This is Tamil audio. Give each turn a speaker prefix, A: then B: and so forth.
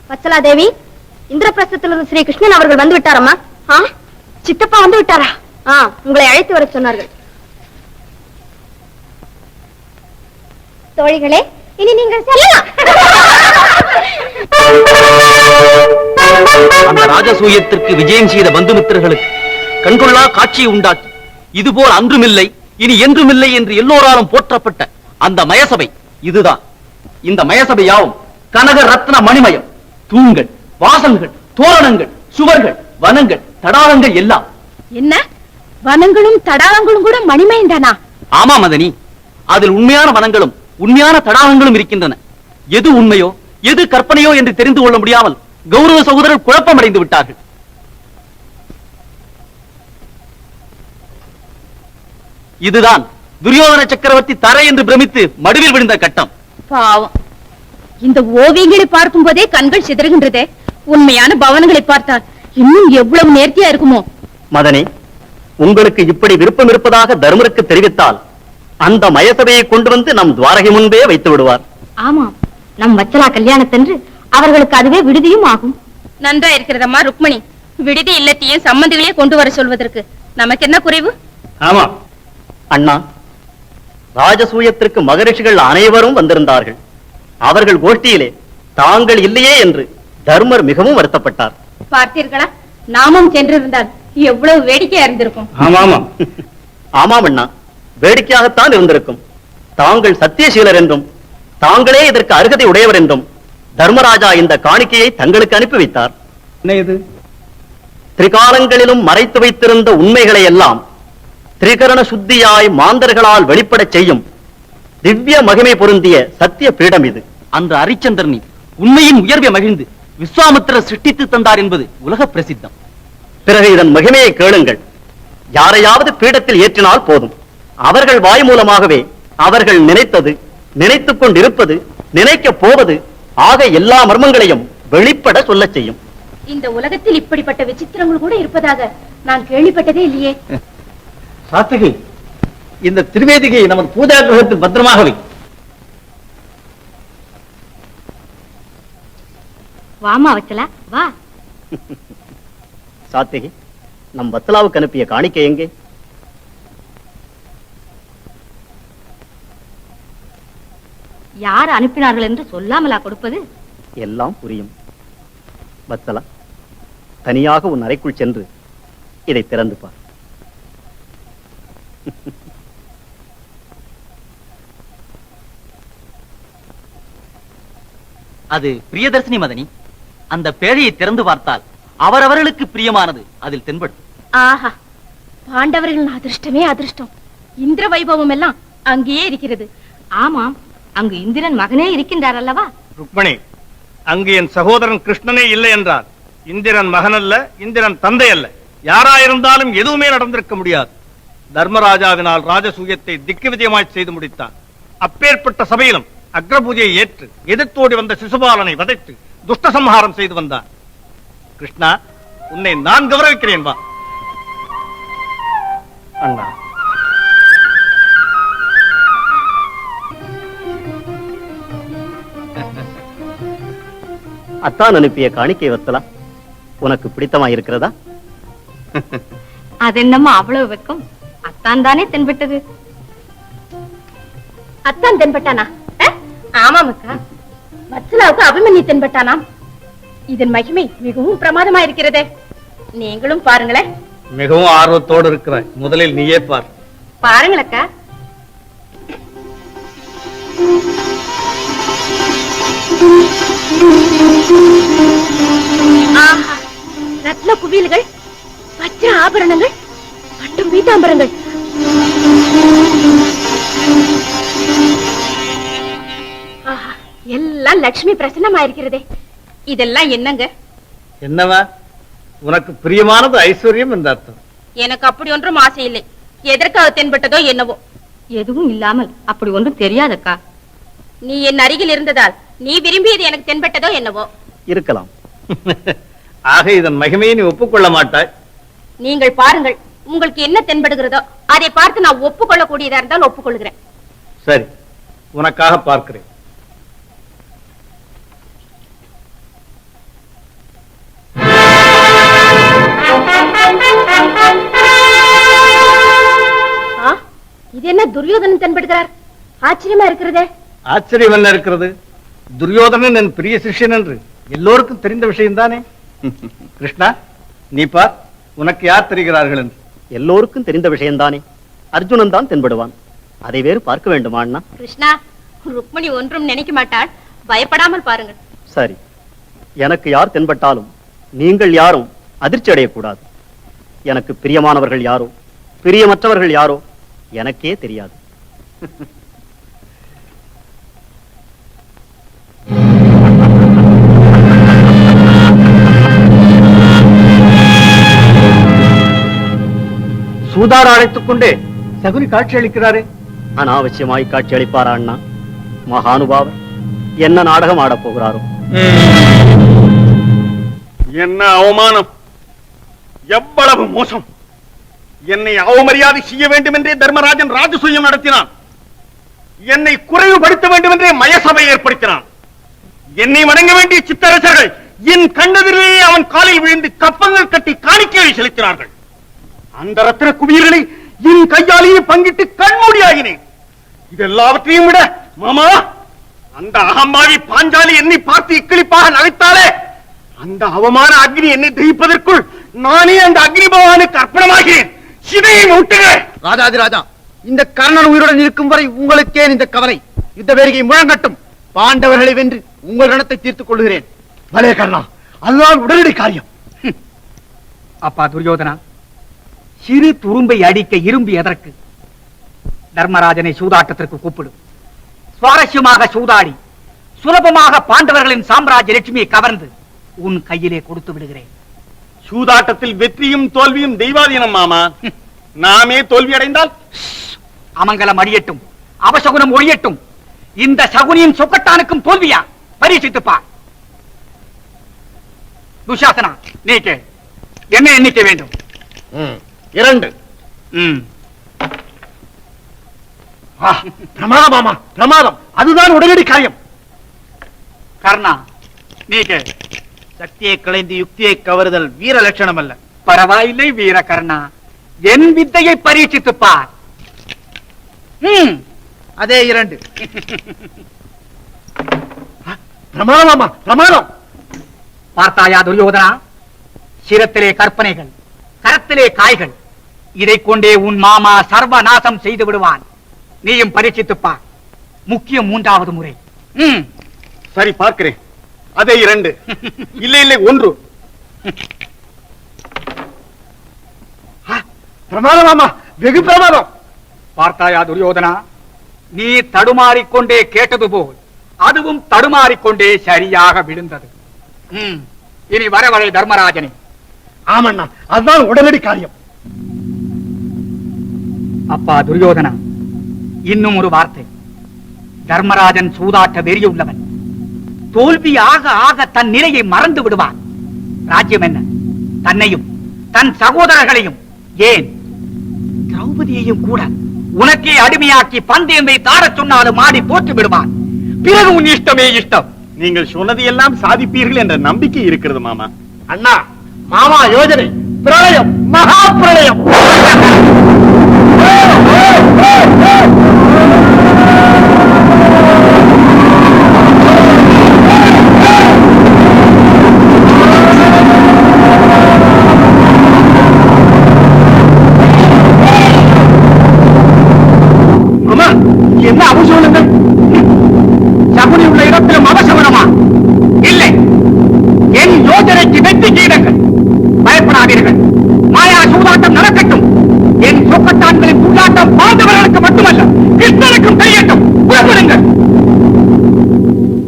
A: வச்சலா தேவி, இந்திரபிரஸ்தத்திலிருந்து ஸ்ரீ கிருஷ்ணன் அவர்கள் வந்து விட்டாரம்மா. சித்தப்பா வந்து விட்டாரா? உங்களை அழைத்து வர சொன்னார்கள். தோழிகளே, இனி நீங்கள் செல்லலாம்.
B: அந்த ராஜசூயத்திற்கு விஜயம் செய்த பந்துமித்திரர்களுக்கு கண்கொள்ளா காட்சியை உண்டாக்கி இதுபோல் அன்றுமில்லை இனி என்றுமில்லை என்று எல்லோராலும் போற்றப்பட்ட அந்த மயசபை இதுதான். இந்த மயசபை யாவும் கனக ரத்ன மணிமயம். தூண்கள், வாசல்கள், தோரணங்கள், சுவர்கள், வனங்கள், தடாகங்கள் எல்லாம்.
A: என்ன வனங்களும் தடாகங்களும் கூட மணிமயம் தானா?
B: ஆமா மதனி, அதில் உண்மையான வனங்களும் உண்மையான தடாகங்களும் இருக்கின்றன. எது உண்மையோ எது கற்பனையோ என்று தெரிந்து கொள்ள முடியாமல் கௌரவ சகோதரர் குழப்பமடைந்து விட்டார்கள். இதுதான் துரியோதன சக்கரவர்த்தி தரை என்று பிரமித்து மடுவில் விழுந்த கட்டம்.
A: பாவம், இந்த ஓவியங்களை பார்க்கும் போதே கண்கள் சிதறுகின்றதே. உண்மையான பவனங்களை பார்த்தால் இன்னும் எவ்வளவு நேர்த்தியா இருக்குமோ.
B: மதனி, உங்களுக்கு இப்படி விருப்பம் இருப்பதாக தர்மருக்கு தெரிவித்தால் அந்த மயசபையை கொண்டு வந்து நம் துவாரகை முன்பே வைத்து விடுவார்.
A: ஆமாம், நம் வச்சலா கல்யாணத்தன்று அவர்களுக்கு அதுவே விடுதியும் ஆகும். நன்றா இருக்கிறதம்மா ருக்மணி. விடுதி இல்லத்தையும் சம்பந்திகளே கொண்டு வர சொல்வதற்கு நமக்கு என்ன குறைவு?
B: ஆமா அண்ணா, ராஜசூயத்திற்கு மகரிஷிகள் அனைவரும் வந்திருந்தார்கள். அவர்கள் கோஷ்டியிலே தாங்கள் இல்லையே என்று தர்மர் மிகவும் வருத்தப்பட்டார்.
A: பார்த்தீர்களா, நாமும் சென்றிருந்தால் எவ்வளவு வேடிக்கையா இருந்திருக்கும்.
B: ஆமாம் அண்ணா, வேடிக்கையாகத்தான் இருந்திருக்கும். தாங்கள் சத்தியசீலர் என்றும் தாங்களே இதற்கு அருகதை உடையவர் என்றும் தர்மராஜா இந்த காணிக்கையை தங்களுக்கு அனுப்பி வைத்தார். என்ன இது? திரிகாலங்களிலும் மறைத்து வைத்திருந்த உண்மைகளை எல்லாம் திரிகரண சுத்தியாய் மாந்தர்களால் வெளிப்பட செய்யும் திவ்ய மகிமை பொருந்திய சத்திய பீடம் இது. அன்று அரிச்சந்திரனி உண்மையின் உயர்வை மகிழ்ந்து விஸ்வாமித்திரர் சிருஷ்டித்து தந்தார் என்பது உலக பிரசித்தம். பிறகு இதன் மகிமையை கேளுங்கள். யாரையாவது பீடத்தில் ஏற்றினால் போதும், அவர்கள் வாய் மூலமாகவே அவர்கள் நினைத்தது, நினைத்துக் கொண்டிருப்பது, நினைக்க போவது ஆக எல்லா மர்மங்களையும் வெளிப்பட சொல்ல செய்யும்.
A: இந்த உலகத்தில் இப்படிப்பட்ட விசித்திரங்கள் கூட இருப்பதாக நான் கேள்விப்பட்டதே இல்லையே.
B: சாத்தகி, இந்த திருவேதிகை நமது பூஜா கிரகத்தில் பத்திரமாக வை.
A: வாமா வச்சலா, வா.
B: சாத்தகி, நம் வத்சலாவுக்கு அனுப்பிய காணிக்கை எங்கே?
A: யார் அனுப்பினார்கள் என்று சொல்லாமலா கொடுப்பது?
B: எல்லாம் புரியும். வத்சலா, தனியாக உன் அறைக்குள் சென்று இதை திறந்து பார். அது பிரியதர்சினி மதனி. அந்த பேழையை திறந்து பார்த்தால் அவரவர்களுக்கு பிரியமானது அதில் தென்படும்.
A: ஆஹா, பாண்டவர்களின் அதிர்ஷ்டமே அதிர்ஷ்டம். இந்திர வைபவம் எல்லாம் அங்கேயே இருக்கிறது. ஆமாம், அங்கு இந்திரன் மகனே இருக்கின்றார் அல்லவா?
C: ருக்மணி, அங்கு என் சகோதரன் கிருஷ்ணனே இல்லை என்றால் இந்திரன் மகன் அல்ல, இந்திரன் தந்தை அல்ல, யாராயிருந்தாலும் எதுவுமே நடந்திருக்க முடியாது. தர்மராஜாவினால் ராஜசூயத்தை திக்கு விஜயமாய் செய்து முடித்தார். அப்பேற்பட்ட சபையிலும் அக்ரபூஜையை ஏற்று எதிர்த்தோடி வந்த சிசுபாலனை வதைத்து துஷ்ட சம்ஹாரம் செய்து வந்தார். கிருஷ்ணா, உன்னை நான் கௌரவிக்கிறேன், வா. அண்ணா,
B: அத்தான் அனுப்பிய காணிக்கை வத்சலா உனக்கு பிடித்தமா இருக்கிறதா?
A: அது என்னம்மா அவ்வளவு வெக்கம்? அத்தான் தானே தென்பட்டது. அத்தான் தென்பட்டானா? ஆமாம் அக்கா, வத்சலாவுக்கு அபிமன்யு தென்பட்டானாம். இதன் மகிமை மிகவும் பிரமாதமா இருக்கிறதே. நீங்களும் பாருங்களேன்.
C: மிகவும் ஆர்வத்தோடு இருக்கிறாய், முதலில் நீயே பார்.
A: பாருங்கள் அக்கா. ஆஹா, ரத்ன குவியல்கள், வஜ்ர ஆபரணங்கள், பட்டும் பீதாம்பரங்கள். ஆஹா, எல்லாம் லட்சுமி பிரசன்னமா இருக்கிறதே. இதெல்லாம் என்னங்க?
C: என்னவா? உனக்கு பிரியமானது ஐஸ்வர்யம் என்ற அர்த்தம்.
A: எனக்கு அப்படி ஒன்றும் ஆசை இல்லை. எதற்காக தென்பட்டதோ என்னவோ. எதுவும் இல்லாமல் அப்படி ஒன்றும் தெரியாதக்கா. நீ என் அருகில் இருந்ததால் நீ விரும்பியது எனக்கு தென்பட்டதோ என்னவோ.
B: இருக்கலாம்.
C: ஆக இதன் மகிமையை நீ ஒப்புக்கொள்ள மாட்டாய்.
A: நீங்கள் பாருங்கள், உங்களுக்கு என்ன தென்படுகிறதோ அதை பார்த்து நான் ஒப்புக்கொள்ளக்கூடியதா இருந்தால் ஒப்புக்கொள்கிறேன்.
C: சரி, உனக்காக பார்க்கிறேன்.
A: துரியோதனன் தென்படுகிறார். ஆச்சரியமா இருக்கிறதே.
C: ஆச்சரியம் என்ன இருக்கிறது? துரியோதனன் என் பிரிய சிஷ்யன் என்று எல்லோருக்கும் தெரிந்த விஷயம்தானே. கிருஷ்ணா, நீ பார், உனக்கு யார் தெரிகிறார்கள் என்று.
B: எல்லோருக்கும் தெரிந்த விஷயம்தானே. அர்ஜுனன் தான் தென்படுவான். அதை வேறு பார்க்க வேண்டுமா அண்ணா?
A: கிருஷ்ணா, ருக்மணி ஒன்றும் நினைக்க மாட்டாள். பயப்படாமல் பாருங்கள்.
B: சரி, எனக்கு யார் தென்பட்டாலும் நீங்கள் யாரும் அதிர்ச்சி அடையக்கூடாது. எனக்கு பிரியமானவர்கள் யாரோ பிரியமற்றவர்கள் யாரோ எனக்கே தெரியாது.
C: சூதாட அழைத்துக் கொண்டே சகுனி காட்சி அளிக்கிறாரே.
B: அனாவசியமாய் காட்சி அளிப்பாரா அண்ணா? மகானுபாவர் என்ன நாடகம் ஆடப் போகிறாரோ?
C: என்ன அவமானம், எவ்வளவு மோசம்! என்னை அவமரியாதை செய்ய வேண்டும் என்றே தர்மராஜன் ராஜசூயம் நடத்தினான். என்னை குறைவுபடுத்த வேண்டும் என்றே மயசபை ஏற்படுத்தினான். என்னை வணங்க வேண்டிய சித்தரசர்கள் என் கண்ணெதிரிலேயே அவன் காலில் விழுந்து கப்பங்கள் கட்டி காணிக்கையை செலுத்தினார்கள். அந்த ரத்தின குவியல்களை என் கையாலேயே பங்கிட்டு கண்மூடியாகினேன். இதெல்லாவற்றையும் விட மாமா, அந்த அகம்பாவி பாஞ்சாலி என்னை பார்த்து இக்கிளிப்பாக நகைத்தாலே, அந்த அவமான அக்னி என்னை தகிப்பதற்குள் நானே அந்த அக்னி பகவானுக்கு அர்ப்பணமாகிறேன். சிதையை ஊட்டுகிறேன்.
D: ராஜாதிராஜா, இந்த கர்ணன் உயிருடன் இருக்கும் வரை உங்களுக்கே இந்த கவலை. யுத்த வேரிகை முழங்கட்டும். பாண்டவர்களை வென்று உங்கள் ரணத்தை தீர்த்துக் கொள்கிறேன்.
C: பலே கர்ணா, அதுதான் உடனடி காரியம்.
E: அப்பா துரியோதனா, சிறு துரும்பை அடிக்க இரும்பு எதற்கு? தர்மராஜனை சூதாட்டத்திற்கு கூப்பிடும். சுவாரஸ்யமாக சூதாடி சுலபமாக பாண்டவர்களின் சாம்ராஜ்ய லட்சுமியை கவர்ந்து உன் கையிலே கொடுத்து விடுகிறேன்.
C: சூதாட்டத்தில் வெற்றியும் தோல்வியும் தெய்வாதீனம் மாமா. நாமே தோல்வி அடைந்தால்
E: அமங்கலம் அடியட்டும், அவசகுனம் ஒழியட்டும். இந்த சகுனியின் சொக்கட்டானுக்கும் தோல்வியா? பரீட்சித்துப்பா. துஷாசனா, நீ கேள். என்ன எண்ணிக்கை வேண்டும்?
C: 2. பிரமாதம் மாமா, பிரமாதம். அதுதான் உடனடி காரியம்.
E: கர்ணா, நீ கேள்.
D: சக்தியை களைந்து யுக்தியை கவருதல் வீர லட்சணம் அல்ல.
E: பரவாயில்லை வீர கர்ணா, என் வித்தையை பரீட்சித்து பார்.
D: அதே 2.
C: பிரமாதம் மாமா, பிரமாதம்.
E: பார்த்தாயா துரியோதனா? சிரத்திலே கற்பனைகள், கரத்திலே காய்கள். இதை கொண்டே உன் மாமா சர்வநாசம் செய்து விடுவான். நீயும் பரீட்சித்துப்பா. முக்கியம் 3வது முறை.
C: சரி, பார்க்கிறேன். அதே 2. இல்லை இல்லை 1. பிரமாதம் மாமா, வெகு பிரமாதம்.
E: பார்த்தாயா துரியோதனா? நீ தடுமாறிக்கொண்டே கேட்டது போல் அதுவும் தடுமாறிக்கொண்டே சரியாக விழுந்தது. இனி வரவரை தர்மராஜனே.
C: ஆமண்ணா, அதுதான் உடனடி காரியம்.
E: அப்பா துரியோதனா, இன்னும் ஒரு வார்த்தை. தர்மராஜன் சூதாட்ட வெறியுள்ளவன். தோல்வி ஆக ஆக தன் நிலையை மறந்து விடுவான். ராஜ்யம் என்ன, தன்னையும் தன் சகோதரர்களையும், ஏன் திரௌபதியையும் கூட உனக்கே அடிமையாக்கி பந்தயத்தை தாரச் சொன்னாலும் ஆடி போட்டு விடுவான். பிறகு உன் இஷ்டமே இஷ்டம்.
C: நீங்கள் சொன்னது எல்லாம் சாதிப்பீர்கள் என்ற நம்பிக்கை இருக்கிறது மாமா.
D: அண்ணா, மாமா யோஜனை பிரளயம், மகா பிரளயம்.